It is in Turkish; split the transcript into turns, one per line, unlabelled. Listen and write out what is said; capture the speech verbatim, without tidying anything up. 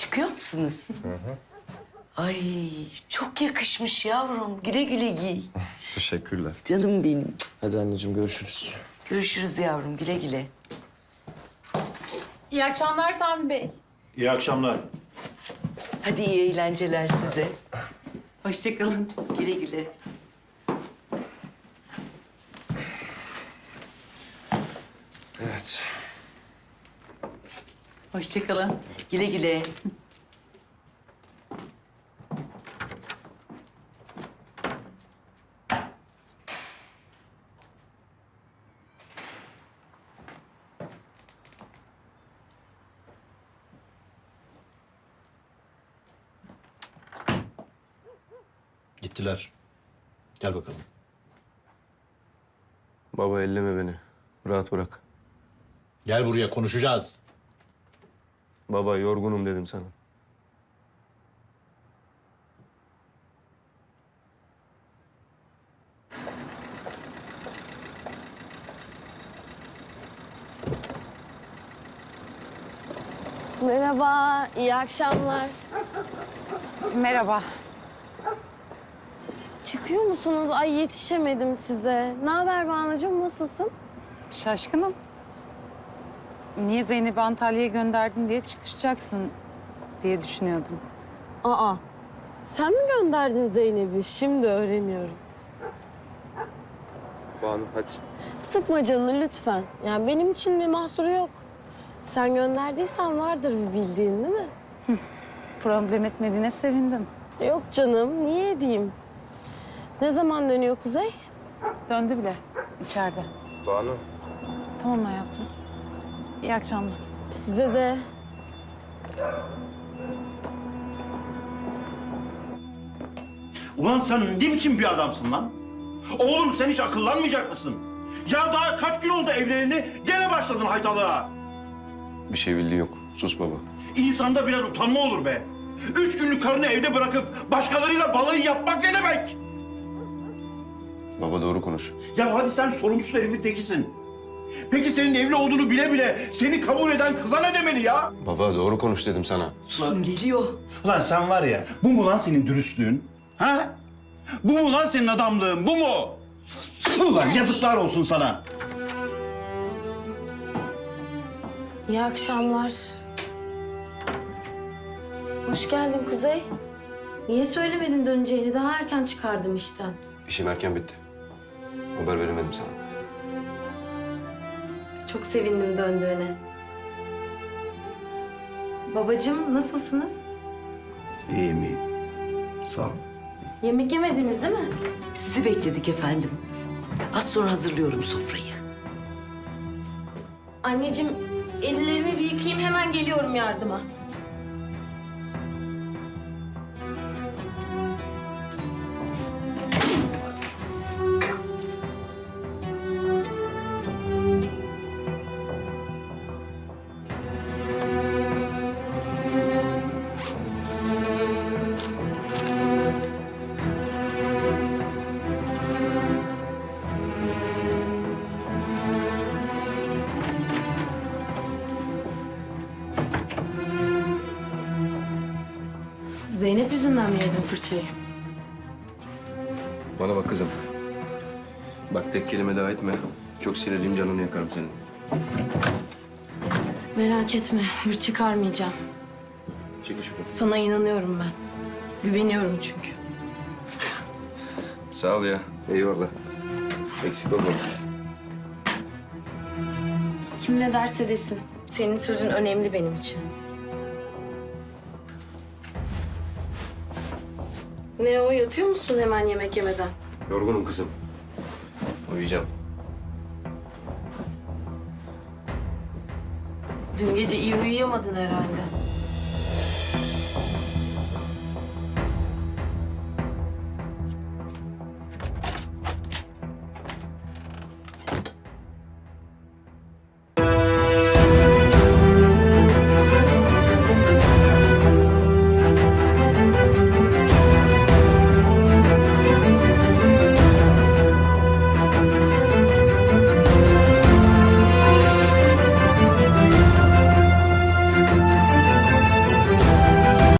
Çıkıyor musunuz?
Hı hı.
Ay çok yakışmış yavrum. Güle güle giy.
Teşekkürler.
Canım benim.
Hadi anneciğim görüşürüz.
Görüşürüz yavrum. Güle güle.
İyi akşamlar Sami Bey.
İyi akşamlar.
Hadi iyi eğlenceler size.
Hoşçakalın.
Güle güle.
Evet.
Hoşçakalın.
Güle güle.
Gittiler. Gel bakalım.
Baba elleme beni. Rahat bırak.
Gel buraya konuşacağız.
Baba yorgunum dedim sana.
Merhaba, iyi akşamlar.
Merhaba.
Çıkıyor musunuz? Ay yetişemedim size. Ne haber Banucuğum, nasılsın?
Şaşkınım. Niye Zeynep'i Antalya'ya gönderdin diye çıkışacaksın diye düşünüyordum.
Aa, sen mi gönderdin Zeynep'i? Şimdi öğreniyorum.
Banu hadi.
Sıkma canını lütfen. Yani benim için bir mahsuru yok. Sen gönderdiysen vardır bir bildiğin değil mi?
Problem etmediğine sevindim.
Yok canım, niye edeyim? Ne zaman dönüyor Kuzey?
Döndü bile içeride.
Banu.
Tamam hayatım. İyi akşamlar.
Size de.
Ulan sen ne biçim bir adamsın lan? Oğlum sen hiç akıllanmayacak mısın? Ya daha kaç gün oldu evleneli gene başladın haytalığa.
Bir şey bildiği yok. Sus baba.
İnsanda biraz utanma olur be. Üç günlük karını evde bırakıp başkalarıyla balayı yapmak ne demek?
Baba doğru konuş.
Ya hadi sen sorumsuz herifin tekisin. Peki senin evli olduğunu bile bile seni kabul eden kıza ne demeli ya?
Baba doğru konuş dedim sana.
Susun geliyor.
Ulan sen var ya, bu mu lan senin dürüstlüğün? Ha? Bu mu lan senin adamlığın, bu mu? Sus! Ulan yazıklar olsun sana.
İyi akşamlar. Hoş geldin Kuzey. Niye söylemedin döneceğini? Daha erken çıkardım işten.
İşim erken bitti. Haber veremedim sana.
Çok sevindim döndüğüne. Babacığım nasılsınız?
İyiyim, iyiyim. Sağ ol.
Yemek yemediniz değil mi?
Sizi bekledik efendim. Az sonra hazırlıyorum sofrayı.
Anneciğim ellerimi bir yıkayayım hemen geliyorum yardıma. Zeynep yüzünden mi yedin fırçayı?
Bana bak kızım. Bak tek kelime daha etme. Çok sinirliyim, canını yakarım senin.
Merak etme, hır çıkarmayacağım.
Çekil şuradan.
Sana inanıyorum ben. Güveniyorum çünkü.
Sağ ol ya. Eyvallah. Eksik olma.
Kim ne derse desin. Senin sözün önemli benim için. Ne o, yatıyor musun hemen yemek yemeden?
Yorgunum kızım. Uyuyacağım.
Dün gece iyi uyuyamadın herhalde.